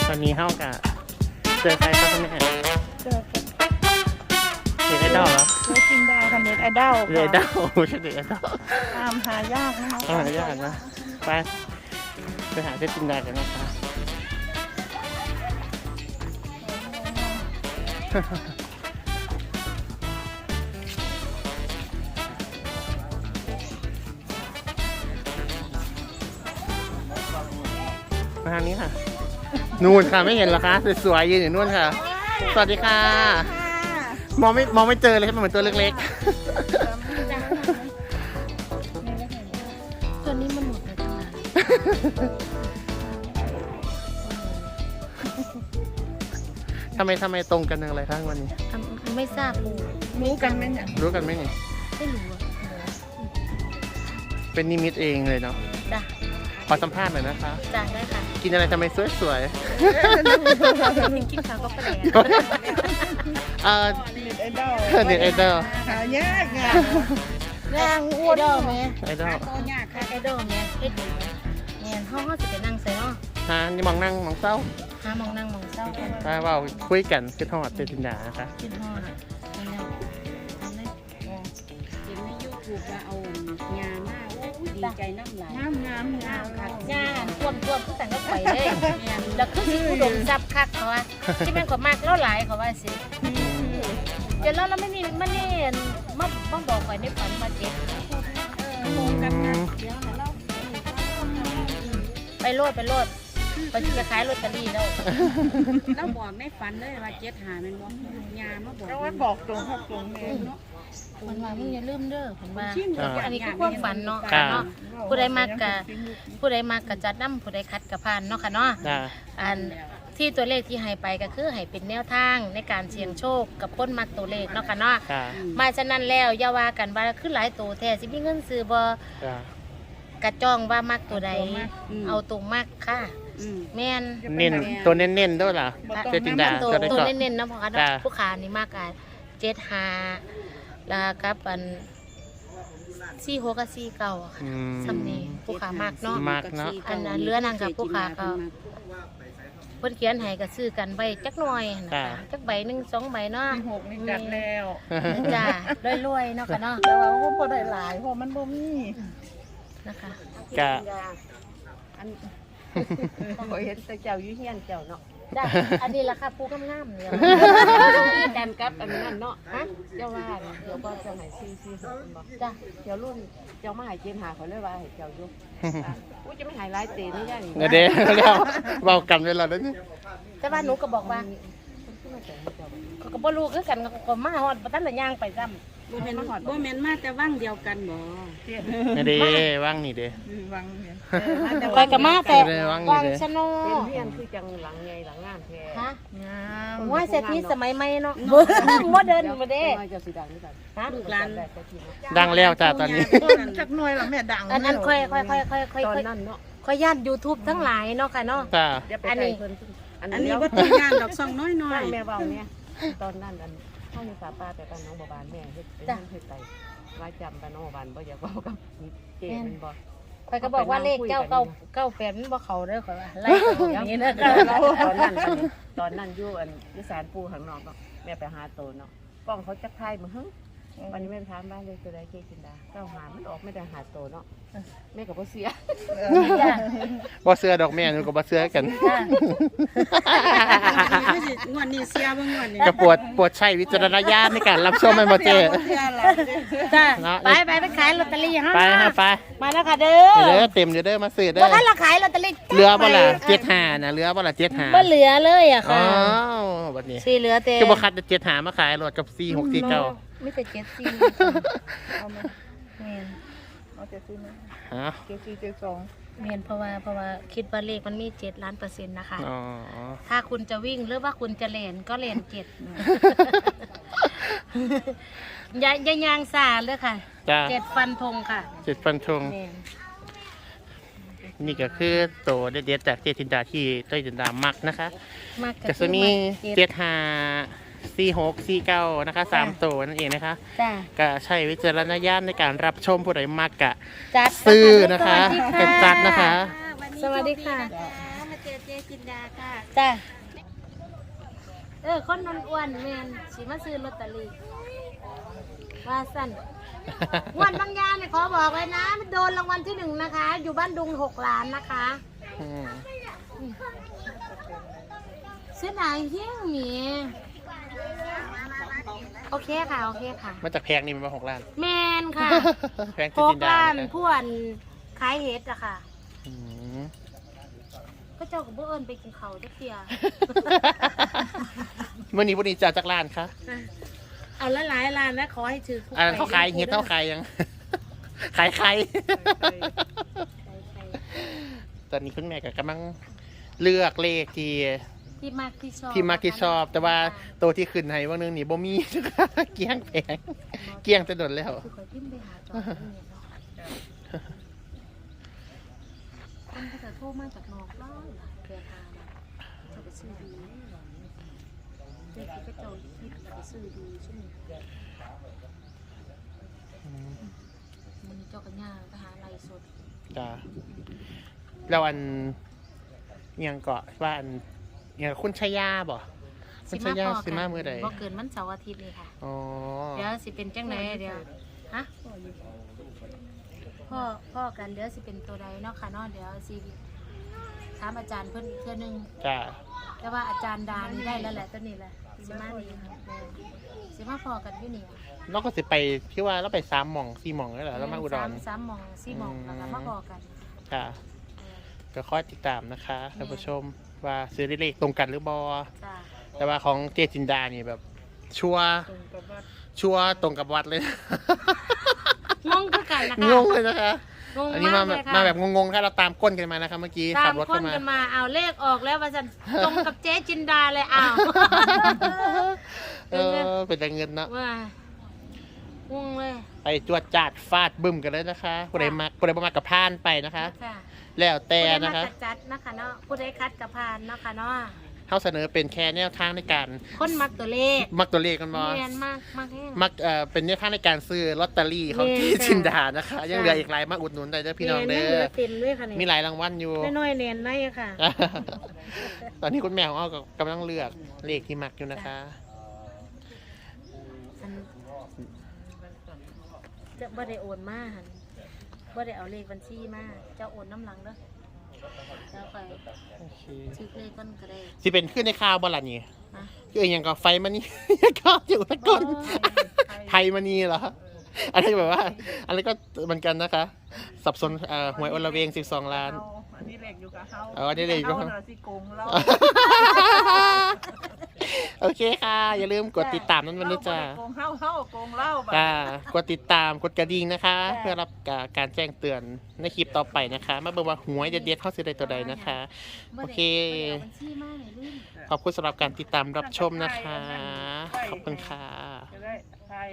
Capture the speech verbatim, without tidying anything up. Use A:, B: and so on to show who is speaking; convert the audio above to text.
A: วันนี้เข้ากับเจอใครครับเนี่ย
B: เจอ
A: เด็กไอดอลเหรอ
B: เจอจินดาค่ะเน็ตไอดอล
A: เด็กไอดอลไม่ใช่เด็กไอดอล
B: ตามหายากนะคะ
A: หายากนะไปไปหาเจ๊จินดากันนะคะมาทางนี้ค่ะนู่นค่ะไม่เห็นหรอคะสวยๆยืนอยู่นู่นค่ะสวัสดีค่ะมองไม่มองไม่เจอเลยใช่ไหมเหมือนตัวเล็ก
C: ๆตัวนี้มันหมดไปตั้งนาน
A: ทำไมทำไมตรงกันอย่างไรครับวันนี้
C: ไม่ทราบเลย
B: รู้กันไหมเนี่ย
A: รู้กันไหมนี่
C: ไม่รู้อะ
A: เป็นนิมิตเองเลยเนาะ
C: จ้ะ
A: ขอสัมภาษณ์หน่อยนะคะ
C: จ้ะได้ค่ะ
A: กินอะไรทำไมสวยสวย
C: กินข้าวก็แปลก
A: เออ
B: เน็ตไอดอล
A: เน็ตไอดอล
B: หายากไง
C: นางอ้วนไหม
A: ไอดอล
C: ยากค่ะไอดอลเนี่ยเฮ็ดดีเนี่ยห้องเขาจะไปนั่งใส่เนาะ
A: ฮะนี่มองนั่งมองเศร้า
C: ฮะมองนั่งมองเศร้า
A: ไปว่าคุยกันขึ้นทอดเจจินดานะคะ
C: ขึ้นทอดนี่แล้วนี่
D: เห็นในยูทูบว่าเอางานหน้าดีใจน้ำไหล
B: งามงามงาม
C: ค่ะงานท่วมท่วมทุกแต่งก็ไปเลยแล้วคือสิผู้ดมซับคักเขาว่าที่แม่นก็มากเล่าหลายเขาว่าสิเดี๋ยวเราเราไม่นี่มันนี่มาบ้องบอกไปในฝันมาเจ็บไปโลดไปโลดไปจะขายลอตเตอรี่แล้ว
D: เราบอกในฝันเลยว่าเจ็ดหาเป็นบอกยามาบอก
B: เราไม่บอกตรงครับตรงนี้
C: มันว่ามึงอย่าลืมเด้อผมว่าอันนี้คือความฝันเนาะเนาะผู้ใดมากกะผู้ใดมากกะจัดน้ำผู้ใดคัดกะพานเนาะค่ะเนาะอันที่ตัวเลขที่ให้ไปก็คือให้เป็นแนวทางในการเสี่ยงโชคกับพ้นมักตัวเลขเนาะค่ะเนาะมาฉะนั้นแล้วอย่าว่ากันว่าขึ้นหลายตัวแท้สิมีเงินซื้อบ่กระจ้องว่ามักตัวใดเอาตรงมากค่ะแม่น
A: เน้นตัวเน้นๆด้วยล่ะเจจินดา
C: ตัวตัวเน้นๆนะพ่อค่ะผู้ขานี่มากกันเจ็ดห้าแล้วกับอันสี่หกกับสี่เก้าค่ะสำเนียงผู้ขามากเนาะ
A: มากเนาะ
C: อันนั้นเลือนางกับผู้ขาก็เพิ่นเขียนให้ก็ซื้อกันใบจักหน่อยนะคะจักใบหนึ่งสองใบเนาะ
B: หกนี่จัดแล้ว
C: จ้ารวยๆเนาะค่ะเนาะ
B: แต่ว่าพวกพอได้หลายเพราะมันบ่มี
C: นะคะ
A: กะ
D: อันพอเห็นแต่เจ้ายุ่เฮียนเจ้าเนาะ
C: จ้ะอันนี้ราคาปูงามๆเนี่ย
D: แดนกับอันนั้นเนาะฮะเจ้าว่าเดี๋ยวก็เจ้าไหนซีซีหกบอก
C: จ้ะ
D: เจ้ารุ่นเจ้ามาหายเจนหาเขาเลยว่าให้เจ้ายุ่อุ้ยจะไม่หายร้ายเตะนี่ได้ห
A: รือเด้แล้วเบากันเวลาแล้วนี่
C: แต่ว่าหนูก็บอกว่าเขาก็บ่รู้คือกันก็มาฮอดบ่ทันละย่างไปซ้ำ
D: บ่แม่นบ่แม่นมาแต่ว่างเดียวกันบ่
A: นี่เด้ว่างนี่เด้
B: ว่างเนี่ย
C: ไปกับมาแต่ว่างชะโน
D: เป็นเพียนคือจังหลังใหญ่หลังงามแท้
C: ฮะงามว่าเศรษฐีสมัยใหม่เนาะบ่เดินบ่เด้
D: เจ้าสิดังนี่กัน
C: ฮะ
D: ลูกหลาน
A: ดังแล้วจ้ะตอนนี้
B: จักหน่วยล่ะแม่ดัง
C: อันนั้นค่อยๆๆๆๆ
D: ตอนนั้นเนาะ
C: ค่อยย่าน YouTube ทั้งหลายเนาะค่ะเนาะ
D: อันนี้อันนี้บ่ต้องย่านดอกซองน้อยๆแม่เว้าเนี่ยตอนนั้นอันข้าวในสาปาแต่ตอนน้องบบานแม่เฮ็ดเป็นเฮ็ดไปว่าจำตอนน้องบบานบ่อยากบอกกับเจมันบ่
C: ไปก็บอกว่าเลขเก้าเก้าเก้าแปดมันบ่เข้าเด้อข่อยว่าไล่อย่างนี้นะ
D: ตอนนั้นตอนนั้นอยู่อันอยู่ศาลปู่ข้างนอกเนาะแม่ไปหาโตเนาะกล้องเขาจักทายมาหึวันนี้แม่ไปถามบ้านเลยตัวใดเจจินดาเก้าหามันออกไม่ได้หาโตเนาะแม่ก็บ่เสีย
A: บ่เสื้อดอกแม่หนูก็บ่เสื้อกัน
D: งวดนี้เสียบ่งวดนี้
A: ก็ปวดปวดใช้วิจารณญาณในการรับชมแม่บ่เจ้
C: จ้าไปไปไปขายลอตเตอรี่ฮะ
A: ไปฮะไป
C: มาแล้วค่ะเด้อ
A: เด้อเต็มอยู่เด้อมาซื้อเด้อ
C: บ่ทันละขายลอตเตอรี่
A: เหลือบ่ล่ะเจ็ดห้าน่ะเหลือบ่ล่ะเจ็ดห้า
C: บ่เหลือเลยอ่ะค่ะ
A: อ๋อบัดนี้
C: สิเหลือแต่
A: คือบ่คัดเจ็ดห้ามาขายรถกับสี่หกสี่เก้า
C: มีแต่เจ็ดสี่เอามาแม่น
B: เอาเจ็ดสี่มั้ย
A: ฮะ
B: เจ็ดสี่เจ็ดสอง
C: แม่นเพราะว่าเพราะว่าคิดว่าเลขมันมีเจ็ดล้านเปอร์เซ็นต์นะคะ
A: อ๋อ
C: ถ้าคุณจะวิ่งหรือว่าคุณจะเล่นก็เล่นเจ็ดอย่าอย่ายางซาเลยค่ะเจ็ดฟันธงค่ะ
A: เจ็ดฟันธงนี่ก็คือโตเด็ดๆจากเจจินดาที่เจจินดามักนะคะก็จะมีเจ็ดห้าสี่หกสี่เก้านะคะสามตัวนั่นเองนะคะก็ใช้วิจารณญาณในการรับชมผู้ใดมักกะซื้อนะคะเป็นจัดนะคะ
C: สวัสดีค่ะเจอเจจินดาค่ะจ้าเออคนนนอ้วนแมนสิมาซื้อลอตเตอรี่ว่าสั้นอ้วนบางยาเนี่ยขอบอกเลยนะมันโดนรางวัลที่หนึ่งนะคะ อยู่บ้านดุงหกล้านนะคะเสียดายเฮี้ยงหมีโอเคค่ะโอเคค่ะ
A: มาจากแพงนี่มันมาหกล้าน
C: แมนค่ะ
A: แพง
C: หกล้านพวนขายเห็ดอะค่ะก็เจ้ากับพวกเอิญไปกินเขาจะเตีย
A: เมื่อนี้วันนี้จะจากร้านคะ
C: เอาละหลายร้านนะขอให้ถือ
A: อ่าเขาขายเห็ดเขาขายยังขายใครตอนนี้คุณแม่ก็กำลังเลือกเลขที่
C: ที่มากที่ชอบ
A: ที่มากที่ชอบแต่ว่าตัวที่ขึ้นให้ว่านึงนี่บ่มีเกี้ยงแพงเกี้ยงจะโดนแล้ว
C: คนก็จะโทรมาจากนอกบ้านเพื่อทานจะไปซื้อดีเด็กที่ก็เจ้าคิดไปซื้อดีใช่ไหมมันเจ้ากันย่าไปหาอะไรสด
A: จ้าแล้วอันยังเกาะว่าอันอย่างคุณชายาบ่คุณชายาสิมาเมื่อใด
C: บ่เกินมันเสาร์อาทิตย์นี่ค่ะอ๋อเดี๋ยวสิเป็นจังไหนเดี๋ยวฮะพ่อพ่อกันเดี๋ยวสิเป็นตัวใดเนาะค่ะเนาะเดี๋ยวสิถามอาจารย์เพิ่นอีกเทื่อนึง
A: จ้า
C: แต่ว่าอาจารย์ดานี่ได้แล้วแหละตัวนี้แหละสิมานี่สิมาพอกันอยู่นี่
A: เราก็สิไปที่ว่าเราไปสามหม่องสี่หม่องแล้วเหรอแล้วมาอุดร
C: สามหม่องสี่หม่องแล้วก็มาพอกัน
A: ค่ะก็คอยติดตามนะคะท่านผู้ชมว่าซื้อได้เลขตรงกันหรือบอแต่ว่าของเจจินดานี่แบบชัวชัวตรงกับวัดเลย
C: งงคือกันนะคะ
A: งงเลยนะคะอันนี้มามาแบบงงๆค่ะเราตามก้นกันมานะคะเมื่อกี้ขับรถ
C: กันมามาเอาเลขออกแล้วว่าจะตรงกับเจจินดาเลยอ้าว
A: เออเป็นแต่เงินเนาะ
C: งงเลย
A: ไปจวดจัดฟาดบึ้มกันเลยนะคะผู้ใดมาผู้ใดมากับพานไปนะคะแล้วแต่นะคะ
C: ผู้ใดมาจัดนะคะเนาะผู้ใดคัดกับพานเนาะค่ะเนาะ
A: เขาเสนอเป็นแค่แนวทางในการ
C: คนมักตัวเลข
A: มักตัวเลขกันมั้
C: ยมากมาก
A: มักเอ่อเป็นแนวทางในการซื้อลอตเตอรี่ของที่จินดานะคะยังเหลืออีกหลายมาอุดหนุนได้เด้อพี่น้องเด้อมีหลายรางวัลอยู่
C: น้อยๆเน้นได้ค่ะ
A: ตอนนี้คุณแม่ของเรากำลังเลือกเลขที่มักอยู่นะคะ
C: จะบ่ได้โอนมาหันบ่ได้เอาเลขบัญชีมาจะโอนน้ำหลังเด้อจะไปชื่อเลขก้นก็ได้
A: สิเป็นขึ้นในข่าวบ่ล่ะนี่คืออย่างกับไฟมันนี่ก็อยู่ตะก้นไทยมันนี่เหรออันนี้แบบว่าอันนี้ก็เหมือนกันนะคะสับสนหวยอลเวงสิบสองล้าน
B: อันนี้เลขอยู่กับเขา
A: อ๋ออันนี้เลขอยู่กับ
B: เขาสิโกงเรา
A: โอเคค่ะอย่าลืมกดติดตามนั้นวันนี้จ้า
B: โกงเฮาเฮาโกงเล่า
A: จ้ากดติดตามกดกระดิ่งนะคะเพื่อรับการแจ้งเตือนในคลิปต่อไปนะคะมาเบิ่งว่าหวยเด็ดๆเข้าซื้อใดตัวใดนะคะโอเคขอบคุณสำหรับการติดตามรับชมนะคะขอบคุณค่ะ